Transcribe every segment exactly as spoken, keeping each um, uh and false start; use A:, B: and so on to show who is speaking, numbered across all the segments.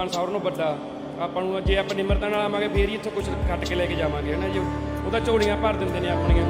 A: ਮਕਾਨ ਸਾਰਿਆਂ ਨਾਲੋਂ ਵੱਡਾ ਆਪਾਂ ਨੂੰ ਜੇ ਆਪਾਂ ਨਿਮਰਤਾ ਨਾਲ ਆਵਾਂਗੇ ਫੇਰ ਹੀ ਇੱਥੋਂ ਕੁਝ ਖੱਟ ਕੇ ਲੈ ਕੇ ਜਾਵਾਂਗੇ ਹੈ ਨਾ ਜੀ। ਉਹਦਾ ਝੋਲੀਆਂ ਭਰ ਦਿੰਦੇ ਨੇ ਆਪਣੀਆਂ।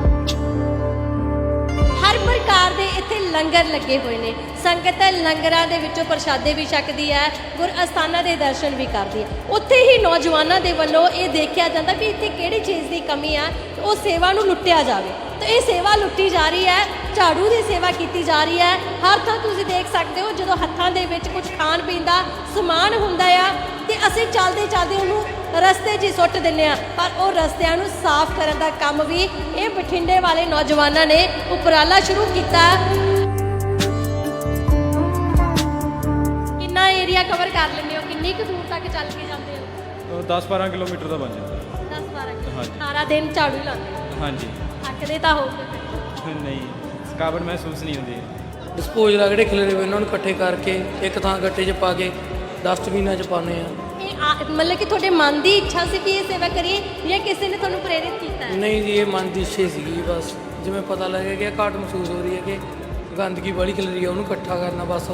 B: ਹਰ ਪ੍ਰਕਾਰ ਦੇ ਇੱਥੇ ਲੰਗਰ ਲੱਗੇ ਹੋਏ ਨੇ। ਸੰਗਤ ਲੰਗਰਾਂ ਦੇ ਵਿੱਚੋਂ ਪ੍ਰਸ਼ਾਦੇ ਵੀ ਛਕਦੀ ਹੈ, ਗੁਰ ਅਸਥਾਨਾਂ ਦੇ ਦਰਸ਼ਨ ਵੀ ਕਰਦੀ ਹੈ। ਉੱਥੇ ਹੀ ਨੌਜਵਾਨਾਂ ਦੇ ਵੱਲੋਂ ਇਹ ਦੇਖਿਆ ਜਾਂਦਾ ਵੀ ਇੱਥੇ ਕਿਹੜੀ ਚੀਜ਼ ਦੀ ਕਮੀ ਆ, ਉਹ ਸੇਵਾ ਨੂੰ ਲੁੱਟਿਆ ਜਾਵੇ। ਤਾਂ ਇਹ ਸੇਵਾ ਲੁੱਟੀ ਜਾ ਰਹੀ ਹੈ, ਝਾੜੂ ਦੀ ਸੇਵਾ ਕੀਤੀ ਜਾ ਰਹੀ ਹੈ। ਹਰ ਥਾਂ ਤੁਸੀਂ ਦੇਖ ਸਕਦੇ ਹੋ ਜਦੋਂ ਹੱਥਾਂ ਦੇ ਵਿੱਚ ਕੁਝ ਖਾਣ ਪੀਣ ਦਾ ਸਮਾਨ ਹੁੰਦਾ ਆ ਤੇ ਅਸੀਂ ਚੱਲਦੇ ਚੱਲਦੇ ਉਹਨੂੰ ਰਸਤੇ 'ਚ ਹੀ ਸੁੱਟ ਦਿੰਦੇ ਹਾਂ, ਪਰ ਉਹ ਰਸਤਿਆਂ ਨੂੰ ਸਾਫ਼ ਕਰਨ ਦਾ ਕੰਮ ਵੀ ਇਹ ਬਠਿੰਡੇ ਵਾਲੇ ਨੌਜਵਾਨਾਂ ਨੇ ਉਪਰਾਲਾ ਸ਼ੁਰੂ ਕੀਤਾ। ਕਿੰਨਾ ਏਰੀਆ ਕਵਰ ਕਰ ਲੈਂਦੇ ਹੋ, ਕਿੰਨੀ ਕੁ ਦੂਰ ਤੱਕ ਚੱਲ ਕੇ ਜਾਂਦੇ ਹੋ?
C: ਦਸ ਬਾਰਾਂ ਕਿਲੋਮੀਟਰ ਦਾ ਬਣ ਜਾਂਦਾ।
B: ਦਸ ਬਾਰਾਂ
C: ਹਾਂਜੀ।
B: ਕਿਲੋਮੀਟਰ ਸਾਰਾ ਦਿਨ ਝਾੜੂ ਲਾਉਂਦੇ ਹੋ?
C: ਹਾਂਜੀ।
B: ਥੱਕਦੇ ਤਾਂ ਹੋਗੇ ਫਿਰ?
C: ਨਹੀਂ, ਥਕਾਵਟ ਮਹਿਸੂਸ ਨਹੀਂ ਹੁੰਦੀ।
D: ਡਿਸਪੋਜ਼ਲ ਆ ਜਿਹੜੇ ਖਿਲਰੇ ਹੋਏ ਉਹਨਾਂ ਨੂੰ ਇਕੱਠੇ ਕਰਕੇ ਇੱਕ ਥਾਂ ਗੱਟੇ 'ਚ ਪਾ ਕੇ ਡਸਟਬਿਨਾਂ 'ਚ ਪਾਉਂਦੇ ਆ।
B: ਇਹ ਆ- ਮਤਲਬ ਕਿ ਤੁਹਾਡੇ ਮਨ ਦੀ ਇੱਛਾ ਸੀ ਵੀ ਇਹ ਸੇਵਾ ਕਰੀਏ ਜਾਂ ਕਿਸੇ ਨੇ ਤੁਹਾਨੂੰ ਪ੍ਰੇਰਿਤ ਕੀਤਾ ਹੈ?
D: ਨਹੀਂ ਜੀ, ਇਹ ਮਨ ਦੀ ਇੱਛਾ ਸੀਗੀ ਬਸ। ਜਿਵੇਂ ਪਤਾ ਲੱਗਿਆ ਕਿ ਇਹ ਘਾਟ ਮਹਿਸੂਸ ਹੋ ਰਹੀ ਹੈ ਕਿ ਗੰਦਗੀ ਬੜੀ ਖਿਲਰੀ ਹੈ, ਉਹਨੂੰ ਇਕੱਠਾ ਕਰਨਾ ਬਸ।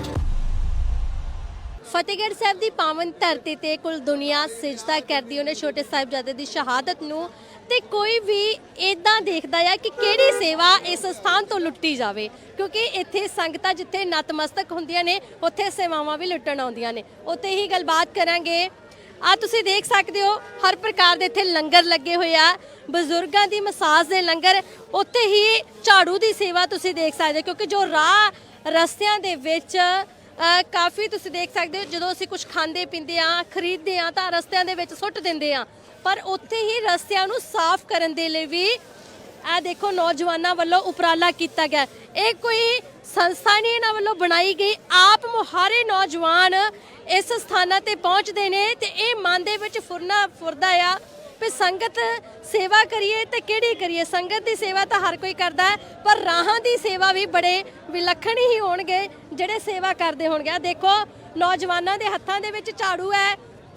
B: ਫਤਿਹਗੜ੍ਹ ਸਾਹਿਬ ਦੀ ਪਾਵਨ ਧਰਤੀ ਤੇ ਕੁੱਲ ਦੁਨੀਆ ਸਿਜਦਾ ਕਰਦੀ ਉਹਨੇ ਛੋਟੇ ਸਾਹਿਬਜ਼ਾਦੇ ਦੀ ਸ਼ਹਾਦਤ ਨੂੰ, ਤੇ ਕੋਈ ਵੀ ਇਦਾਂ ਦੇਖਦਾ ਆ ਕਿ ਕਿਹੜੀ ਸੇਵਾ ਇਸ ਸਥਾਨ ਤੋਂ ਲੁੱਟੀ ਜਾਵੇ, ਕਿਉਂਕਿ ਇੱਥੇ ਸੰਗਤਾਂ ਜਿੱਥੇ ਨਤਮਸਤਕ ਹੁੰਦੀਆਂ ਨੇ ਉੱਥੇ ਸੇਵਾਵਾਂ ਵੀ ਲੁੱਟਣ ਆਉਂਦੀਆਂ ਨੇ। ਉੱਥੇ ਹੀ ਗੱਲਬਾਤ ਕਰਾਂਗੇ। ਆ ਤੁਸੀਂ ਦੇਖ ਸਕਦੇ ਹੋ ਹਰ ਪ੍ਰਕਾਰ ਦੇ ਇੱਥੇ ਲੰਗਰ ਲੱਗੇ ਹੋਏ ਆ, ਬਜ਼ੁਰਗਾਂ ਦੀ ਮਸਾਜ ਦੇ ਲੰਗਰ, ਉੱਥੇ ਹੀ ਝਾੜੂ ਦੀ ਸੇਵਾ ਤੁਸੀਂ ਦੇਖ ਸਕਦੇ ਹੋ, ਕਿਉਂਕਿ ਜੋ ਰਾਹ ਰਸਤਿਆਂ ਦੇ ਵਿੱਚ ਕਾਫੀ ਤੁਸੀਂ ਦੇਖ ਸਕਦੇ ਹੋ ਜਦੋਂ ਅਸੀਂ ਕੁਝ ਖਾਂਦੇ ਪੀਂਦੇ ਆ ਖਰੀਦਦੇ ਆ ਤਾਂ ਰਸਤਿਆਂ ਦੇ ਵਿੱਚ ਸੁੱਟ ਦਿੰਦੇ ਆ, ਪਰ ਉੱਥੇ ਹੀ ਰਸਤਿਆਂ ਨੂੰ ਸਾਫ਼ ਕਰਨ ਦੇ ਲਈ ਵੀ ਇਹ ਦੇਖੋ ਨੌਜਵਾਨਾਂ ਵੱਲੋਂ ਉਪਰਾਲਾ ਕੀਤਾ ਗਿਆ। ਇਹ ਕੋਈ ਸੰਸਥਾ ਨਹੀਂ ਇਹਨਾਂ ਵੱਲੋਂ ਬਣਾਈ ਗਈ, ਆਪ ਮੁਹਾਰੇ ਨੌਜਵਾਨ ਇਸ ਸਥਾਨਾਂ ਤੇ ਪਹੁੰਚਦੇ ਨੇ ਤੇ ਇਹ ਮਨ ਦੇ ਵਿੱਚ ਫੁਰਨਾ ਫੁਰਦਾ ਆ ਵੀ ਸੰਗਤ ਸੇਵਾ ਕਰੀਏ ਤੇ ਕਿਹੜੀ ਕਰੀਏ। ਸੰਗਤ ਦੀ ਸੇਵਾ ਤਾਂ ਹਰ ਕੋਈ ਕਰਦਾ ਹੈ, ਪਰ ਰਾਹਾਂ ਦੀ ਸੇਵਾ ਵੀ ਬੜੇ ਵਿਲੱਖਣ ਹੀ ਹੋਣਗੇ ਜਿਹੜੇ ਸੇਵਾ ਕਰਦੇ ਹੋਣਗੇ। ਦੇਖੋ ਨੌਜਵਾਨਾਂ ਦੇ ਹੱਥਾਂ ਦੇ ਵਿੱਚ ਝਾੜੂ ਹੈ,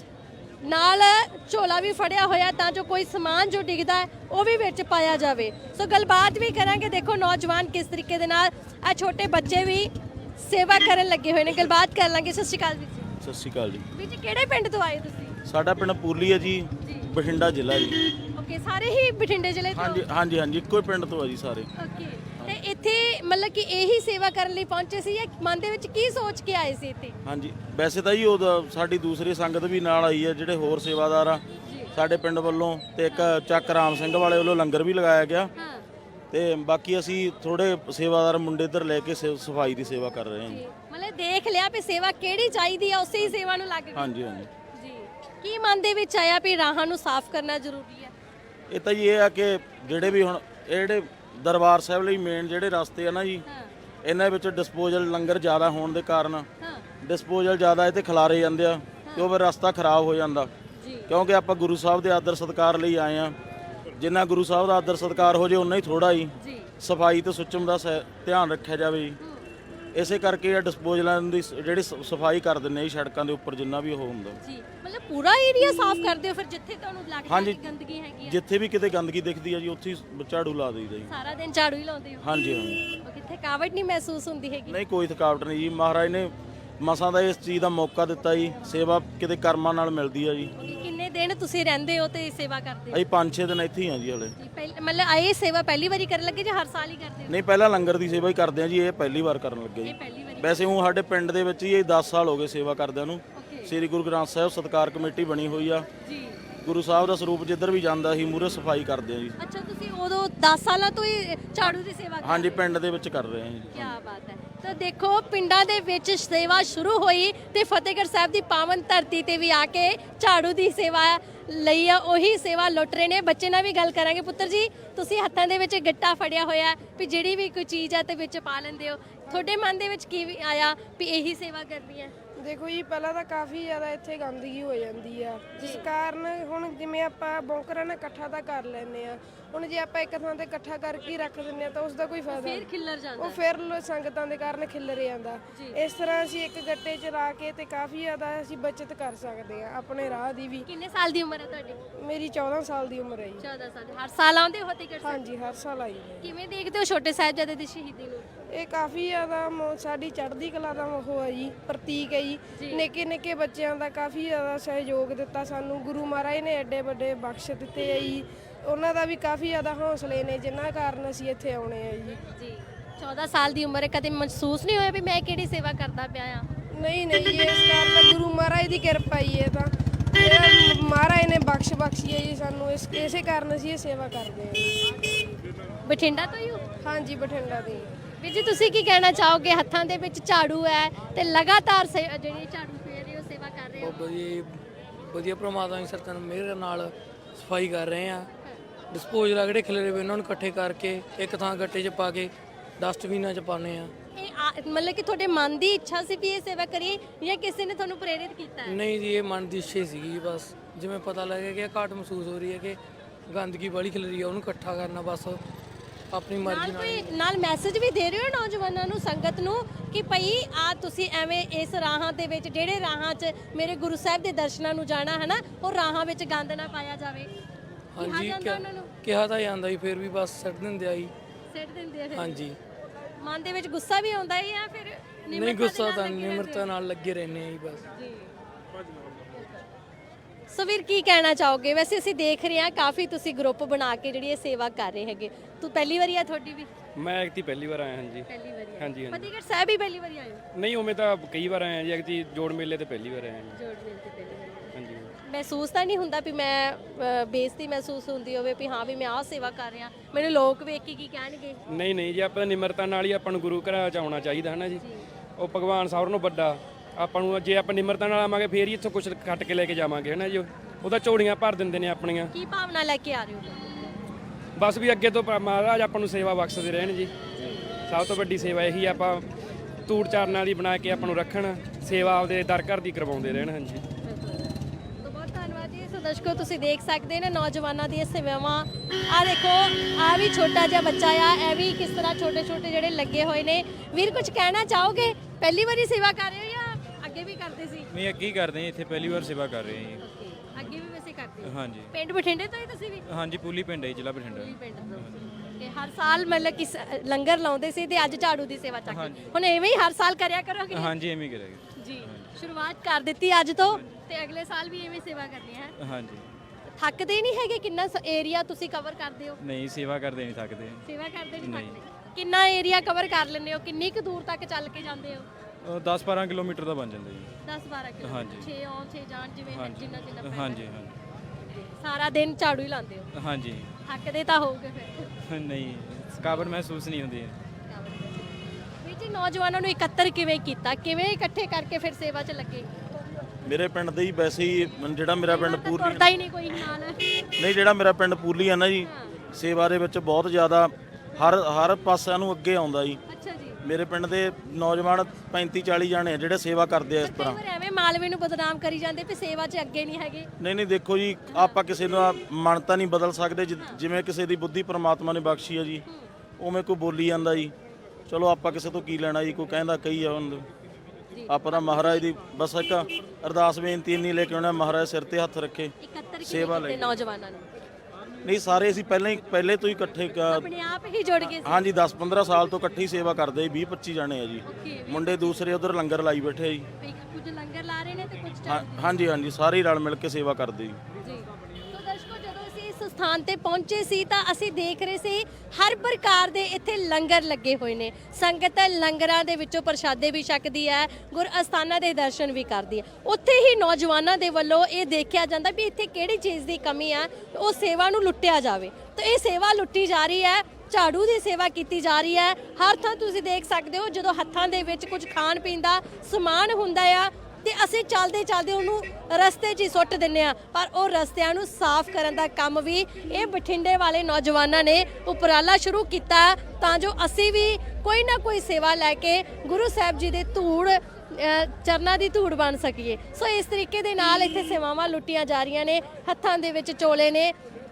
B: ਨਾਲ ਝੋਲਾ ਵੀ ਫੜਿਆ ਹੋਇਆ ਤਾਂ ਜੋ ਕੋਈ ਸਮਾਨ ਜੋ ਡਿੱਗਦਾ ਹੈ ਉਹ ਵੀ ਵਿੱਚ ਪਾਇਆ ਜਾਵੇ। ਸੋ ਗੱਲਬਾਤ ਵੀ ਕਰਾਂਗੇ। ਦੇਖੋ ਨੌਜਵਾਨ ਕਿਸ ਤਰੀਕੇ ਦੇ ਨਾਲ, ਆ ਛੋਟੇ ਬੱਚੇ ਵੀ ਸੇਵਾ ਕਰਨ ਲੱਗੇ ਹੋਏ ਨੇ, ਗੱਲਬਾਤ ਕਰ ਲਾਂਗੇ। ਸਤਿ ਸ਼੍ਰੀ ਅਕਾਲ ਵੀਰ ਜੀ।
E: ਸਤਿ ਸ਼੍ਰੀ ਅਕਾਲ ਜੀ।
B: ਵੀਰ ਜੀ ਕਿਹੜੇ ਪਿੰਡ ਤੋਂ ਆਏ ਤੁਸੀਂ?
E: ਸਾਡਾ ਪਿੰਡ ਪੂਰਲੀ ਹੈ ਜੀ, ਬਠਿੰਡਾ ਜ਼ਿਲ੍ਹਾ ਜੀ।
B: ਓਕੇ, ਸਾਰੇ ਹੀ ਬਠਿੰਡੇ ਜ਼ਿਲ੍ਹੇ ਤੋਂ?
E: ਹਾਂਜੀ ਹਾਂਜੀ ਹਾਂਜੀ, ਇੱਕੋ ਹੀ ਪਿੰਡ ਤੋਂ ਆ ਜੀ ਸਾਰੇ।
B: ਓਕੇ, ਤੇ ਇੱਥੇ ਮਤਲਬ ਕਿ ਇਹੀ ਸੇਵਾ ਕਰਨ ਲਈ ਪਹੁੰਚੇ ਸੀ ਜਾਂ ਮਨ ਦੇ ਵਿੱਚ ਕੀ ਸੋਚ ਕੇ ਆਏ ਸੀ ਇੱਥੇ?
E: ਹਾਂਜੀ, ਵੈਸੇ ਤਾਂ ਜੀ ਉਹਦਾ ਸਾਡੀ ਦੂਸਰੀ ਸੰਗਤ ਵੀ ਨਾਲ ਆਈ ਹੈ, ਜਿਹੜੇ ਹੋਰ ਸੇਵਾਦਾਰ ਆ ਸਾਡੇ ਪਿੰਡ ਵੱਲੋਂ, ਤੇ ਇੱਕ ਚੱਕ ਰਾਮ ਸਿੰਘ ਵਾਲੇ ਵੱਲੋਂ ਲੰਗਰ ਵੀ ਲਗਾਇਆ ਗਿਆ।
B: ਹਾਂ,
E: ਤੇ ਬਾਕੀ ਅਸੀਂ ਥੋੜੇ ਸੇਵਾਦਾਰ ਮੁੰਡੇ ਇੱਧਰ ਲੈ ਕੇ ਸੇ- ਸਫਾਈ ਦੀ ਸੇਵਾ ਕਰ ਰਹੇ ਹਾਂ ਜੀ।
B: ਮਤਲਬ ਦੇਖ ਲਿਆ ਵੀ ਸੇਵਾ ਕਿਹੜੀ ਚਾਹੀਦੀ ਆ, ਉਸੇ ਹੀ ਸੇਵਾ ਨੂੰ ਲੱਗ ਗਏ।
E: ਹਾਂਜੀ ਹਾਂਜੀ।
B: ਜੀ, ਕੀ ਮਨ ਦੇ ਵਿੱਚ ਆਇਆ ਵੀ ਰਾਹਾਂ ਨੂੰ ਸਾਫ਼ ਕਰਨਾ ਜ਼ਰੂਰੀ ਹੈ?
E: ਇਹ ਤਾਂ ਜੀ ਇਹ ਆ ਕਿ ਜਿਹੜੇ ਵੀ ਹੁਣ ਇਹ ਜਿਹੜੇ ਦਰਬਾਰ ਸਾਹਿਬ ਲਈ ਮੇਨ ਜਿਹੜੇ ਰਸਤੇ ਆ ਨਾ ਜੀ,
B: ਹਾਂ
E: ਇਹਨਾਂ ਵਿੱਚ ਡਿਸਪੋਜ਼ਲ ਲੰਗਰ ਜ਼ਿਆਦਾ ਹੋਣ ਦੇ ਕਾਰਨ
B: ਹਾਂ
E: ਡਿਸਪੋਜ਼ਲ ਜ਼ਿਆਦਾ ਇੱਥੇ ਖਿਲਾਰੇ ਜਾਂਦੇ ਆ ਤੇ ਉਹ ਫਿਰ ਰਸਤਾ ਖਰਾਬ ਹੋ ਜਾਂਦਾ।
B: ਜੀ,
E: ਕਿਉਂਕਿ ਆਪਾਂ ਗੁਰੂ ਸਾਹਿਬ ਦੇ ਆਦਰ ਸਤਿਕਾਰ ਲਈ ਆਏ ਆ, ਜਿੰਨਾ ਗੁਰੂ ਸਾਹਿਬ ਦਾ ਆਦਰ ਸਤਿਕਾਰ ਹੋ ਜੇ ਉਨਾ ਹੀ ਥੋੜਾ ਹੀ
B: ਜੀ,
E: ਸਫਾਈ ਤੇ ਸੁੱਚਮ ਦਾ ਸ- ਧਿਆਨ ਰੱਖਿਆ ਜਾਵੇ ਜੀ। ਇਸੇ ਕਰਕੇ ਇਹ ਡਿਸਪੋਜ਼ਲਾਂ ਦੀ ਸ- ਜਿਹੜੀ ਸ- ਸਫਾਈ ਕਰ ਦਿੰਦੇ ਜੀ ਸੜਕਾਂ ਦੇ ਉੱਪਰ ਜਿੰਨਾ ਵੀ ਉਹ ਹੁੰਦਾ।
B: ਜੀ, ਮਤਲਬ ਪੂਰਾ ਏਰੀਆ ਸਾਫ਼ ਕਰਦੇ ਹੋ ਫਿਰ ਜਿੱਥੇ ਤੁਹਾਨੂੰ ਲੱਗਦਾ
E: ਹਾਂਜੀ।
B: ਕਿ ਗੰਦਗੀ ਹੈਗੀ ਹੈ?
E: ਜਿੱਥੇ ਵੀ ਕਿਤੇ ਗੰਦਗੀ ਦਿਖਦੀ ਆ ਜੀ ਉੱਥੇ ਹੀ ਝਾੜੂ ਲਾ ਦਈਦਾ ਜੀ।
B: ਸਾਰਾ ਦਿਨ ਝਾੜੂ ਹੀ ਲਾਉਂਦੇ ਹੋ?
E: ਹਾਂਜੀ ਹਾਂਜੀ।
B: ਉਹ ਕਿੱਥੇ ਥਕਾਵਟ ਨਹੀਂ ਮਹਿਸੂਸ ਹੁੰਦੀ ਹੈਗੀ?
E: ਨਹੀਂ, ਕੋਈ ਥਕਾਵਟ ਨਹੀਂ ਜੀ। ਮਹਾਰਾਜ ਨੇ ਮਸਾਂ ਦਾ ਇਸ ਚੀਜ਼ ਦਾ ਮੌਕਾ ਦਿੱਤਾ ਜੀ। ਸੇਵਾ ਕਿਤੇ ਕਰਮਾਂ ਨਾਲ ਮਿਲਦੀ ਆ ਜੀ।
B: ਕਿ ਕਿੰਨੇ ਦਿਨ ਤੁਸੀਂ ਰਹਿੰਦੇ ਹੋ ਤੇ ਸੇਵਾ ਕਰਦੇ ਹੋ?
E: ਅਸੀਂ ਪੰਜ ਛੇ ਦਿਨ ਇੱਥੇ ਹੀ ਆ ਜੀ ਹਲੇ।
B: ਜੀ, ਪਹਿਲ- ਮਤਲਬ ਆਏ ਸੇਵਾ ਪਹਿਲੀ ਵਾਰੀ ਕਰਨ ਲੱਗੇ ਜਾਂ ਹਰ ਸਾਲ ਹੀ ਕਰਦੇ ਹੋ?
E: ਨਹੀਂ, ਪਹਿਲਾਂ ਲੰਗਰ ਦੀ ਸੇਵਾ ਹੀ ਕਰਦੇ ਆ ਜੀ, ਇਹ ਪਹਿਲੀ ਵਾਰ ਕਰਨ ਲੱਗੇ
B: ਇਹ
E: ਜੀ।
B: ਪਹਿਲੀ ਵਾਰੀ?
E: ਵੈਸੇ ਉਹ ਸਾਡੇ ਪਿੰਡ ਦੇ ਵਿੱਚ ਹੀ ਇਹ ਦਸ ਸਾਲ ਹੋ ਗਏ ਸੇਵਾ ਕਰਦਿਆਂ ਨੂੰ।
B: ਓਕੇ,
E: ਸ੍ਰੀ ਗੁਰੂ ਗ੍ਰੰਥ ਸਾਹਿਬ ਸਤਿਕਾਰ ਕਮੇਟੀ ਬਣੀ ਹੋਈ ਆ।
B: ਜੀ,
E: ਗੁਰੂ ਸਾਹਿਬ ਦਾ ਸਰੂਪ ਜਿੱਧਰ ਵੀ ਜਾਂਦਾ ਸੀ ਮੂਹਰੇ ਸਫਾਈ ਕਰਦੇ ਆ ਜੀ।
B: ਅੱਛਾ, ਤੁਸੀਂ ਉਦੋਂ ਦਸ ਸਾਲਾਂ ਤੋਂ ਹੀ ਝਾੜੂ ਦੀ ਸੇਵਾ ਕਰ
E: ਹਾਂਜੀ, ਪਿੰਡ ਦੇ ਵਿੱਚ ਕਰ ਰਹੇ ਆ ਜੀ।
B: ਕੀ ਬਾਤ ਹੈ। ਤਾਂ ਦੇਖੋ ਪਿੰਡਾਂ ਦੇ ਵਿੱਚ ਸੇਵਾ ਸ਼ੁਰੂ ਹੋਈ ਤੇ ਫਤਿਹਗੜ੍ਹ ਸਾਹਿਬ ਦੀ ਪਾਵਨ ਧਰਤੀ ਤੇ ਵੀ ਆ ਕੇ ਝਾੜੂ ਦੀ ਸੇਵਾ ਲਈ ਆ, ਉਹੀ ਸੇਵਾ ਲੁੱਟ ਰਹੇ ਨੇ। ਬੱਚੇ ਨਾਲ ਵੀ ਗੱਲ ਕਰਾਂਗੇ। ਪੁੱਤਰ ਜੀ, ਤੁਸੀਂ ਹੱਥਾਂ ਦੇ ਵਿੱਚ ਗੱਟਾ ਫੜਿਆ ਹੋਇਆ ਵੀ ਜਿਹੜੀ ਵੀ ਕੋਈ ਚੀਜ਼ ਹੈ ਤੇ ਵਿੱਚ ਪਾ ਲੈਂਦੇ ਹੋ, ਤੁਹਾਡੇ ਮਨ ਦੇ ਵਿੱਚ ਕੀ ਆਇਆ ਵੀ ਇਹੀ ਸੇਵਾ ਕਰਨੀ ਹੈ?
F: ਦੇਖੋ ਜੀ, ਪਹਿਲਾਂ ਤਾਂ ਕਾਫੀ ਜ਼ਿਆਦਾ ਇੱਥੇ ਗੰਦਗੀ ਹੋ ਜਾਂਦੀ ਆ, ਜਿਸ ਕਾਰਨ ਹੁਣ ਜਿਵੇਂ ਆਪਾਂ ਬੌਂਕਰਾਂ ਨਾਲ ਇਕੱਠਾ ਤਾਂ ਕਰ ਲੈਂਦੇ ਆ, ਹੁਣ ਜੇ ਆਪਾਂ ਇੱਕ ਥਾਂ ਤੇ ਇਕੱਠਾ ਕਰਕੇ ਹੀ ਰੱਖ ਦਿੰਨੇ ਆ ਤਾਂ ਉਸ ਦਾ ਕੋਈ ਫਾਇਦਾ
B: ਫਿਰ
F: ਨਹੀਂ।
B: ਖਿੱਲਰ ਜਾਂਦਾ
F: ਉਹ ਫਿਰ ਲੋ- ਸੰਗਤਾਂ ਦੇ ਕਾਰਨ ਖਿੱਲਰ ਜਾਂਦਾ। ਇਸ ਤਰ੍ਹਾਂ ਅਸੀਂ ਇੱਕ ਗੱਟੇ 'ਚ ਲਾ ਕੇ ਤੇ ਕਾਫੀ ਜ਼ਿਆਦਾ ਅਸੀਂ ਬਚਤ ਕਰ ਸਕਦੇ ਆ ਆਪਣੇ ਰਾਹ ਦੀ ਵੀ।
B: ਕਿੰਨੇ ਸਾਲ ਦੀ ਉਮਰ ਹੈ ਤੁਹਾਡੀ?
F: ਮੇਰੀ ਚੌਦਾਂ ਸਾਲ ਦੀ ਉਮਰ ਹੈ ਜੀ।
B: ਚੌਦਾਂ ਸਾਲ ਹਰ ਸਾਲ ਆਉਂਦੇ ਹੋ ਫਤਿਹਗੜ੍ਹ ਸਾਹਿਬ?
F: ਹਾਂਜੀ, ਹਰ ਸਾਲ ਆਈ ਹੈ।
B: ਕਿਵੇਂ ਦੇਖਦੇ ਹੋ ਛੋਟੇ ਸਾਹਿਬਜ਼ਾਦੇ ਦੀ ਸ਼ਹੀਦੀ ਨੂੰ?
F: ਇਹ ਕਾਫੀ ਜ਼ਿਆਦਾ ਮੋ- ਸਾਡੀ ਚੜ੍ਹਦੀ ਕਲਾ ਦਾ ਉਹ ਹੈ ਜੀ, ਪ੍ਰਤੀਕ ਹੈ ਜੀ। ਨਿੱਕੇ ਨਿੱਕੇ ਬੱਚਿਆਂ ਦਾ ਕਾਫੀ ਜ਼ਿਆਦਾ ਸਹਿਯੋਗ ਦਿੱਤਾ ਸਾਨੂੰ ਗੁਰੂ ਮਹਾਰਾਜ ਨੇ, ਐਡੇ ਵੱਡੇ ਬਖਸ਼ ਦਿੱਤੇ ਆ ਜੀ। ਉਹਨਾਂ ਦਾ ਵੀ ਕਾਫੀ ਜ਼ਿਆਦਾ ਹੌਸਲੇ ਨੇ ਜਿਨ੍ਹਾਂ ਕਾਰਨ ਅਸੀਂ ਇੱਥੇ ਆਉਣੇ ਆ ਜੀ।
B: ਜੀ ਚੌਦਾਂ ਸਾਲ ਦੀ ਉਮਰ ਹੈ, ਕਦੇ ਮਹਿਸੂਸ ਨਹੀਂ ਹੋਇਆ ਵੀ ਮੈਂ ਕਿਹੜੀ ਸੇਵਾ ਕਰਦਾ ਪਿਆ ਆ?
F: ਨਹੀਂ ਨਹੀਂ ਜੀ, ਇਸ ਕਾਰਨ ਤਾਂ ਗੁਰੂ ਮਹਾਰਾਜ ਦੀ ਕਿਰਪਾ ਹੀ ਹੈ। ਤਾਂ ਇਹ ਮਹਾਰਾਜ ਨੇ ਬਖਸ਼ ਬਖਸ਼ੀ ਹੈ ਜੀ ਸਾਨੂੰ, ਇਸ ਇਸੇ ਕਾਰਨ ਅਸੀਂ ਇਹ ਸੇਵਾ ਕਰਦੇ ਹਾਂ ਜੀ।
B: ਬਠਿੰਡਾ ਤੋਂ ਹੀ ਹੋ?
F: ਹਾਂਜੀ, ਬਠਿੰਡਾ ਦੀ।
B: ਵੀਰ ਜੀ ਤੁਸੀਂ ਕੀ ਕਹਿਣਾ ਚਾਹੋਗੇ? ਹੱਥਾਂ ਦੇ ਵਿੱਚ ਝਾੜੂ ਹੈ ਤੇ ਲਗਾਤਾਰ ਸੇ- ਜਿਹੜੀ ਝਾੜੂ ਫੇਰ ਰਹੇ ਹੋ, ਸੇਵਾ ਕਰ ਰਹੇ ਹੋ।
D: ਬਹੁਤ ਵਧੀਆ ਵਧੀਆ ਪ੍ਰਮਾਤਮਾ ਦੀ ਸਰਕਾਰ ਮਿਹਰ ਨਾਲ ਸਫਾਈ ਕਰ ਰਹੇ ਆ। ਡਿਸਪੋਜ਼ਲ ਆ ਜਿਹੜੇ ਖਿਲਰੇ ਹੋਏ ਉਹਨਾਂ ਨੂੰ ਇਕੱਠੇ ਕਰਕੇ ਇੱਕ ਥਾਂ ਗੱਟੇ 'ਚ ਪਾ ਕੇ ਡਸਟਬਿਨਾਂ 'ਚ ਪਾਉਂਦੇ ਆ।
B: ਇਹ ਆ- ਮਤਲਬ ਕਿ ਤੁਹਾਡੇ ਮਨ ਦੀ ਇੱਛਾ ਸੀ ਵੀ ਇਹ ਸੇਵਾ ਕਰੀਏ ਜਾਂ ਕਿਸੇ ਨੇ ਤੁਹਾਨੂੰ ਪ੍ਰੇਰਿਤ ਕੀਤਾ ਹੈ?
D: ਨਹੀਂ ਜੀ, ਇਹ ਮਨ ਦੀ ਇੱਛਾ ਸੀਗੀ ਬਸ। ਜਿਵੇਂ ਪਤਾ ਲੱਗਿਆ ਕਿ ਘਾਟ ਮਹਿਸੂਸ ਹੋ ਰਹੀ ਹੈ ਕਿ ਗੰਦਗੀ ਬੜੀ ਖਿਲਰੀ ਆ, ਉਹਨੂੰ ਇਕੱਠਾ ਕਰਨਾ ਬਸ ਆਪਣੀ ਮਰਜ਼ੀ
B: ਨਾਲ
D: ਨਾਲ।
B: ਕੋਈ ਨਾਲ ਮੈਸੇਜ ਵੀ ਦੇ ਰਹੇ ਹੋ ਨੌਜਵਾਨਾਂ ਨੂੰ, ਸੰਗਤ ਨੂੰ, ਕਿ ਭਈ ਆ ਤੁਸੀਂ ਐਵੇਂ ਇਸ ਰਾਹਾਂ ਦੇ ਵਿੱਚ ਜਿਹੜੇ ਰਾਹਾਂ 'ਚ ਮੇਰੇ ਗੁਰੂ ਸਾਹਿਬ ਦੇ ਦਰਸ਼ਨਾਂ ਨੂੰ ਜਾਣਾ ਹੈ ਨਾ, ਉਹ ਰਾਹਾਂ ਵਿੱਚ ਗੰਦ ਨਾ ਪਾਇਆ ਜਾਵੇ। ਕਿਹਾ
D: ਹਾਂਜੀ,
B: ਜਾਂਦਾ
D: ਕਿਹਾ-
B: ਉਹਨਾਂ ਨੂੰ?
D: ਕਿਹਾ ਤਾਂ ਜਾਂਦਾ ਜੀ, ਫਿਰ ਵੀ ਬਸ ਛੱਡ ਦਿੰਦੇ ਆ ਜੀ।
B: ਸਿੱਟ ਦਿੰਦੇ ਆ ਫਿਰ?
D: ਹਾਂਜੀ।
B: ਮਨ ਦੇ ਵਿੱਚ ਗੁੱਸਾ ਵੀ ਆਉਂਦਾ ਹੈ ਜਾਂ ਫਿਰ ਨਿਮਰਤਾ
D: ਨਹੀਂ,
B: ਦੇ
D: ਗੁੱਸਾ
B: ਨਾਲ
D: ਤਾਂ
B: ਲੱਗੇ ਰਹਿੰਦੇ
D: ਨਿਮਰਤਾ
B: ਹੋ?
D: ਨਾਲ ਲੱਗੇ ਰਹਿੰਦੇ ਆ ਜੀ ਬਸ।
B: ਜੀ। ਸੋ ਵੀਰ ਕੀ ਕਹਿਣਾ ਚਾਹੋਗੇ? ਵੈਸੇ ਅਸੀਂ ਦੇਖ ਰਹੇ ਹਾਂ ਕਾਫੀ ਤੁਸੀਂ ਗਰੁੱਪ ਬਣਾ ਕੇ ਜਿਹੜੀ ਇਹ ਸੇਵਾ ਕਰ ਰਹੇ ਹੈਗੇ। ਤੂੰ ਪਹਿਲੀ ਵਾਰੀ ਆ ਤੁਹਾਡੀ ਵੀ?
A: ਮੈਂ ਐਕਤੀ ਪਹਿਲੀ ਵਾਰ ਆਇਆ ਹਾਂਜੀ
B: ਪਹਿਲੀ ਵਾਰੀ ਆਏ।
A: ਹਾਂਜੀ ਹਾਂਜੀ
B: ਫਤਿਹਗੜ੍ਹ ਸਾਹਿਬ ਹੀ ਪਹਿਲੀ ਵਾਰੀ ਆਏ ਹੋ?
A: ਨਹੀਂ ਉਵੇਂ ਤਾਂ ਕਈ ਵਾਰ ਆਇਆ ਜੀ, ਐਕਤੀ ਜੋੜ ਮੇਲੇ ਤੇ ਪਹਿਲੀ ਵਾਰ ਆਇਆ ਜੀ।
B: ਜੋੜ ਮੇਲ ਤੇ ਪਹਿਲੀ ਵਾਰੀ।
A: ਹਾਂਜੀ
B: ਮਹਿਸੂਸ ਤਾਂ ਨਹੀਂ ਹੁੰਦਾ ਵੀ ਮੈਂ ਅ, ਬੇਇੱਜ਼ਤੀ ਮਹਿਸੂਸ ਹੁੰਦੀ ਹੋਵੇ ਵੀ ਹਾਂ ਵੀ ਮੈਂ ਆਹ ਸੇਵਾ ਕਰ ਰਿਹਾ, ਮੈਨੂੰ ਲੋਕ ਵੇਖ ਕੇ ਕੀ ਕਹਿਣਗੇ?
A: ਨਹੀਂ ਨਹੀਂ ਜੀ, ਆਪਾਂ ਨਿਮਰਤਾ ਨਾਲ ਹੀ ਆਪਾਂ ਨੂੰ ਗੁਰੂ ਘਰਾਂ ਚ ਆਉਣਾ ਚਾਹੀਦਾ ਹੈ ਨਾ ਜੀ। ਉਹ ਭਗਵਾਨ ਸਾਰਿਆਂ ਨੂੰ ਵੱਡਾ, ਆਪਾਂ ਨੂੰ ਜੇ ਆਪਾਂ ਨਿਮਰਤਾ ਨਾਲ ਆਵਾਂਗੇ ਫੇਰ ਹੀ ਇੱਥੋਂ ਕੁਝ ਖੱਟ ਕੇ ਲੈ ਕੇ ਜਾਵਾਂਗੇ ਹੈ ਨਾ ਜੀ। ਉਹਦਾ ਝੋਲੀਆਂ ਭਰ ਦਿੰਦੇ ਨੇ ਆਪਣੀਆਂ।
B: ਕੀ ਭਾਵਨਾ ਲੈ ਕੇ ਆ ਰਹੇ ਹੋ?
A: ਬਸ ਵੀ ਅੱਗੇ ਤੋਂ ਪ- ਮਹਾਰਾਜ ਆਪਾਂ ਨੂੰ ਸੇਵਾ ਬਖਸ਼ਦੇ ਰਹਿਣ ਜੀ। ਸਭ ਤੋਂ ਵੱਡੀ ਸੇਵਾ ਇਹੀ ਆ, ਆਪਾਂ ਤੂੜ ਚਾਰਨਾਂ ਦੀ ਬਣਾ ਕੇ ਆਪਾਂ ਨੂੰ ਰੱਖਣ, ਸੇਵਾ ਆਪਦੇ ਦਰ ਘਰ ਦੀ ਕਰਵਾਉਂਦੇ ਰਹਿਣ। ਹਾਂਜੀ
B: ਤਾਂ ਬਹੁਤ ਧੰਨਵਾਦ ਜੀ। ਸੋ ਦਰਸ਼ਕੋ ਤੁਸੀਂ ਦੇਖ ਸਕਦੇ ਨੇ ਨੌਜਵਾਨਾਂ ਦੀਆਂ ਸੇਵਾਵਾਂ। ਆ ਦੇਖੋ, ਆ ਵੀ ਛੋਟਾ ਜਿਹਾ ਬੱਚਾ ਆ, ਇਹ ਵੀ ਕਿਸ ਤਰ੍ਹਾਂ ਛੋਟੇ ਛੋਟੇ ਜਿਹੜੇ ਲੱਗੇ ਹੋਏ ਨੇ। ਵੀਰ ਕੁਝ ਕਹਿਣਾ ਚਾਹੋਗੇ? ਪਹਿਲੀ ਵਾਰੀ ਸੇਵਾ ਕਰ ਰਹੇ ਹੋ ਜਾਂ ਅੱਗੇ ਵੀ ਕਰਦੇ ਸੀ?
C: ਨਹੀਂ, ਅੱਗੇ ਹੀ ਕਰਦੇ ਹਾਂ, ਇੱਥੇ ਪਹਿਲੀ ਵਾਰ ਸੇਵਾ ਕਰ ਰਹੇ ਹਾਂ ਜੀ।
B: ਅੱਗੇ ਵੀ ਵੈਸੇ ਕਰਦੇ ਹੋ?
C: ਹਾਂਜੀ
B: ਪਿੰਡ ਬਠਿੰਡੇ ਤੋਂ ਹੀ ਤੁਸੀਂ ਵੀ?
C: ਹਾਂਜੀ, ਪੂਲੀ ਪਿੰਡ ਹੈ ਜੀ, ਜ਼ਿਲ੍ਹਾ ਬਠਿੰਡਾ।
B: ਪਿੰਡ ਤੋਂ ਕਿ ਹਰ ਸਾਲ ਮਤਲਬ ਕਿ ਸ- ਲੰਗਰ ਲਾਉਂਦੇ ਸੀ ਤੇ ਅੱਜ ਝਾੜੂ ਦੀ ਸੇਵਾ ਚੱਕ ਲਈ। ਹੁਣ ਐਵੇਂ ਹੀ ਹਰ ਸਾਲ ਕਰਿਆ ਕਰੋਗੇ?
C: ਹਾਂਜੀ, ਐਵੇਂ ਹੀ ਕਰਾਂਗੇ
B: ਜੀ। ਸ਼ੁਰੂਆਤ ਕਰ ਦਿੱਤੀ ਅੱਜ ਤੋਂ ਤੇ ਅਗਲੇ ਸਾਲ ਵੀ ਐਵੇਂ ਸੇਵਾ ਕਰਨੀ ਹੈ।
C: ਹਾਂਜੀ।
B: ਥੱਕਦੇ ਨਹੀਂ ਹੈਗੇ? ਕਿੰਨਾ ਏਰੀਆ ਤੁਸੀਂ ਕਵਰ ਕਰਦੇ ਹੋ?
C: ਨਹੀਂ, ਸੇਵਾ ਕਰਦੇ ਨਹੀਂ ਥੱਕਦੇ।
B: ਸੇਵਾ ਕਰਦੇ ਨਹੀਂ
C: ਨਹੀਂ।
B: ਥੱਕਦੇ? ਕਿੰਨਾ ਏਰੀਆ ਕਵਰ ਕਰ ਲੈਂਦੇ ਹੋ? ਕਿੰਨੀ ਕੁ ਦੂਰ ਤੱਕ ਚੱਲ ਕੇ ਜਾਂਦੇ ਹੋ?
C: ਦਸ ਬਾਰਾਂ ਕਿਲੋਮੀਟਰ ਦਾ ਬਣ ਜਾਂਦਾ ਜੀ।
B: ਦਸ ਬਾਰਾਂ ਕਿਲੋਮੀਟਰ?
C: ਹਾਂਜੀ।
B: ਛੇ ਆਉਣ ਛੇ ਜਾਣ, ਜਿਵੇਂ
C: ਹਾਂਜੀ
B: ਜਿੰਨਾ ਜਿੰਨਾ ਪੈਂਦਾ।
C: ਹਾਂਜੀ ਹਾਂਜੀ
B: ਸਾਰਾ ਦਿਨ ਝਾੜੂ ਹੀ ਲਾਉਂਦੇ ਹੋ?
C: ਹਾਂਜੀ।
B: ਥੱਕਦੇ ਤਾਂ ਹੋਊਗੇ ਫਿਰ?
C: ਨਹੀਂ, ਥਕਾਵਟ ਮਹਿਸੂਸ ਨਹੀਂ ਹੁੰਦੀ।
B: ਵੀਰ ਜੀ ਨੌਜਵਾਨਾਂ ਨੂੰ ਇਕੱਤਰ ਕਿਵੇਂ ਕੀਤਾ? ਕਿਵੇਂ ਇਕੱਠੇ ਕਰਕੇ ਫਿਰ ਸੇਵਾ 'ਚ ਲੱਗੇ?
E: ਮੇਰੇ ਪਿੰਡ ਦੇ ਹੀ ਵੈਸੇ ਹੀ ਜਿਹੜਾ ਮੇਰਾ ਪਿੰਡ ਪੂਰਲੀ
B: ਤੁਰਦਾ ਹੀ ਨਹੀਂ ਕੋਈ ਨਾਲ।
E: ਨਹੀਂ ਜਿਹੜਾ ਮੇਰਾ ਪਿੰਡ ਪੂਰਲੀ ਆ ਨਾ ਜੀ, ਸੇਵਾ ਦੇ ਵਿੱਚ ਬਹੁਤ ਜ਼ਿਆਦਾ ਹਰ ਹਰ ਪਾਸਿਆਂ ਨੂੰ ਅੱਗੇ ਆਉਂਦਾ ਜੀ।
B: ਅੱਛਾ ਜੀ।
E: ਮੇਰੇ ਪਿੰਡ ਦੇ ਨੌਜਵਾਨ ਪੈਂਤੀ ਚਾਲੀ ਜਾਣੇ ਆ ਜਿਹੜੇ ਸੇਵਾ ਕਰਦੇ ਆ ਇਸ
B: ਕਈ
E: ਤਰ੍ਹਾਂ।
B: ਵਾਰ ਐਵੇਂ ਮਾਲਵੇ ਨੂੰ ਬਦਨਾਮ ਕਰੀ ਜਾਂਦੇ ਵੀ ਸੇਵਾ 'ਚ ਅੱਗੇ ਨਹੀਂ ਹੈਗੇ।
E: ਨਹੀਂ ਨਹੀਂ, ਦੇਖੋ ਜੀ, ਆਪਾਂ ਕਿਸੇ ਦਾ ਮਨ ਤਾਂ ਨਹੀਂ ਬਦਲ ਸਕਦੇ। ਜਿ- ਜਿਵੇਂ ਕਿਸੇ ਦੀ ਬੁੱਧੀ ਪ੍ਰਮਾਤਮਾ ਨੇ ਬਖਸ਼ੀ ਆ ਜੀ, ਉਵੇਂ ਕੋਈ ਬੋਲੀ ਜਾਂਦਾ ਜੀ। ਚਲੋ ਆਪਾਂ ਕਿਸੇ ਤੋਂ ਕੀ ਲੈਣਾ ਜੀ, ਕੋਈ ਕਹਿੰਦਾ ਕਈ ਆ। ਹੁਣ ਆਪਾਂ ਤਾਂ ਮਹਾਰਾਜ ਦੀ ਬਸ ਇੱਕ ਅਰਦਾਸ ਬੇਨਤੀ ਇੰਨੀ ਲੈ ਕੇ ਆਉਣਾ, ਮਹਾਰਾਜ ਸਿਰ ਤੇ ਹੱਥ ਰੱਖੇ।
B: ਇਕੱਤਰ
E: ਸੇਵਾ
B: ਕਿਵੇਂ
E: ਲਈ।
B: ਕੀਤੇ ਨੌਜਵਾਨਾਂ ਨੂੰ?
E: ਨਹੀਂ, ਸਾਰੇ ਅਸੀਂ ਪਹਿਲਾਂ ਹੀ ਪਹਿਲੇ ਤੋਂ ਹੀ ਇਕੱਠੇ ਕ-
B: ਆਪਣੇ ਆਪ ਹੀ ਜੁੜ ਗਏ ਸੀ?
E: ਹਾਂਜੀ, ਦਸ ਪੰਦਰਾਂ ਸਾਲ ਤੋਂ ਇਕੱਠੀ ਸੇਵਾ ਕਰਦੇ, ਵੀਹ ਪੱਚੀ ਜਾਣੇ ਆ ਜੀ।
B: ਓਕੇ।
E: ਮੁੰਡੇ ਦੂਸਰੇ ਉਧਰ ਲੰਗਰ ਲਾਈ ਬੈਠੇ ਆ ਜੀ।
B: ਵੀ ਕੁਝ ਲੰਗਰ ਲਾ ਰਹੇ ਨੇ ਤੇ ਕੁਝ
E: ਹਾਂ-
B: ਝਾੜੂ ਦੀ।
E: ਹਾਂਜੀ ਹਾਂਜੀ, ਸਾਰੇ ਹੀ ਰਲ ਮਿਲ ਕੇ ਸੇਵਾ ਕਰਦੇ ਜੀ।
B: ਜੀ। ਸੋ ਦਰਸ਼ਕੋ ਜਦੋਂ ਅਸੀਂ ਇਸ ਸਥਾਨ ਤੇ ਪਹੁੰਚੇ ਸੀ ਤਾਂ ਅਸੀਂ ਦੇਖ ਰਹੇ ਸੀ ਹਰ ਪ੍ਰਕਾਰ ਦੇ ਇੱਥੇ ਲੰਗਰ ਲੱਗੇ ਹੋਏ ਨੇ। ਸੰਗਤ ਲੰਗਰਾਂ ਦੇ ਵਿੱਚੋਂ ਪ੍ਰਸ਼ਾਦੇ ਵੀ ਛਕਦੀ ਹੈ, ਗੁਰ ਅਸਥਾਨਾਂ ਦੇ ਦਰਸ਼ਨ ਵੀ ਕਰਦੀ ਹੈ। ਉੱਥੇ ਹੀ ਨੌਜਵਾਨਾਂ ਦੇ ਵੱਲੋਂ ਇਹ ਦੇਖਿਆ ਜਾਂਦਾ ਵੀ ਇੱਥੇ ਕਿਹੜੀ ਚੀਜ਼ ਦੀ ਕਮੀ ਹੈ, ਉਹ ਸੇਵਾ ਨੂੰ ਲੁੱਟਿਆ ਜਾਵੇ। ਤਾਂ ਇਹ ਸੇਵਾ ਲੁੱਟੀ ਜਾ ਰਹੀ ਹੈ। ਝਾੜੂ ਦੀ ਸੇਵਾ ਕੀਤੀ ਜਾ ਰਹੀ ਹੈ। ਹਰ ਥਾਂ ਤੁਸੀਂ ਦੇਖ ਸਕਦੇ ਹੋ ਜਦੋਂ ਹੱਥਾਂ ਦੇ ਵਿੱਚ ਕੁਝ ਖਾਣ ਪੀਣ ਦਾ ਸਮਾਨ ਹੁੰਦਾ ਆ ਤੇ ਅਸੀਂ ਚੱਲਦੇ ਚੱਲਦੇ ਉਹਨੂੰ ਰਸਤੇ 'ਚ ਹੀ ਸੁੱਟ ਦਿੰਨੇ ਆ, ਪਰ ਉਹ ਰਸਤਿਆਂ ਨੂੰ ਸਾਫ਼ ਕਰਨ ਦਾ ਕੰਮ ਵੀ ਇਹ ਬਠਿੰਡੇ ਵਾਲੇ ਨੌਜਵਾਨਾਂ ਨੇ ਉਪਰਾਲਾ ਸ਼ੁਰੂ ਕੀਤਾ ਤਾਂ ਜੋ ਅਸੀਂ ਵੀ ਕੋਈ ਨਾ ਕੋਈ ਸੇਵਾ ਲੈ ਕੇ ਗੁਰੂ ਸਾਹਿਬ ਜੀ ਦੇ ਧੂੜ ਅ, ਚਰਨਾਂ ਦੀ ਧੂੜ ਬਣ ਸਕੀਏ। ਸੋ ਇਸ ਤਰੀਕੇ ਦੇ ਨਾਲ ਇੱਥੇ ਸੇਵਾਵਾਂ ਲੁੱਟੀਆਂ ਜਾ ਰਹੀਆਂ ਨੇ। ਹੱਥਾਂ ਦੇ ਵਿੱਚ ਚੋਲੇ ਨੇ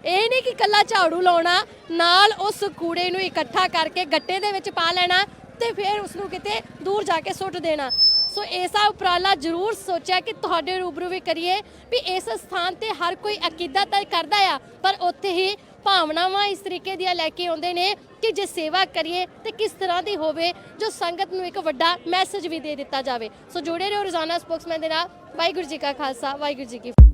B: ਇਹ ਨਹੀਂ ਕਿ ਕੱਲਾ ਝਾੜੂ ਲਾਉਣਾ, ਨਾਲ ਉਸ ਕੂੜੇ ਨੂੰ ਇਕੱਠਾ ਕਰਕੇ ਗੱਟੇ ਦੇ ਵਿੱਚ ਪਾ ਲੈਣਾ ਤੇ ਫਿਰ ਉਸ ਨੂੰ ਕਿਤੇ ਦੂਰ ਜਾ ਕੇ ਸੁੱਟ ਦੇਣਾ। ਸੋ ਐਸਾ ਉਪਰਾਲਾ ਜ਼ਰੂਰ ਸੋਚਿਆ ਕਿ ਤੁਹਾਡੇ ਰੂਬਰੂ ਵੀ ਕਰੀਏ ਵੀ ਇਸ ਸਥਾਨ ਤੇ ਹਰ ਕੋਈ ਅਕੀਦਾ ਤਾਂ ਕਰਦਾ ਆ, ਪਰ ਉੱਥੇ ਹੀ ਭਾਵਨਾਵਾਂ ਇਸ ਤਰੀਕੇ ਦੀਆਂ ਲੈ ਕੇ ਆਉਂਦੇ ਨੇ ਕਿ ਜੇ ਸੇਵਾ ਕਰੀਏ ਤੇ ਕਿਸ ਤਰ੍ਹਾਂ ਦੀ ਹੋਵੇ, ਜੋ ਸੰਗਤ ਨੂੰ ਇੱਕ ਵੱਡਾ ਮੈਸੇਜ ਵੀ ਦੇ ਦਿੱਤਾ ਜਾਵੇ। ਸੋ ਜੁੜੇ ਰਹੋ ਰੋਜ਼ਾਨਾ ਸਪੋਕਸਮੈਨ ਦੇ ਨਾਲ। ਵਾਹਿਗੁਰੂ ਜੀ ਕਾ ਖਾਲਸਾ, ਵਾਹਿਗੁਰੂ ਜੀ ਕੀ ਫਤਿਹ।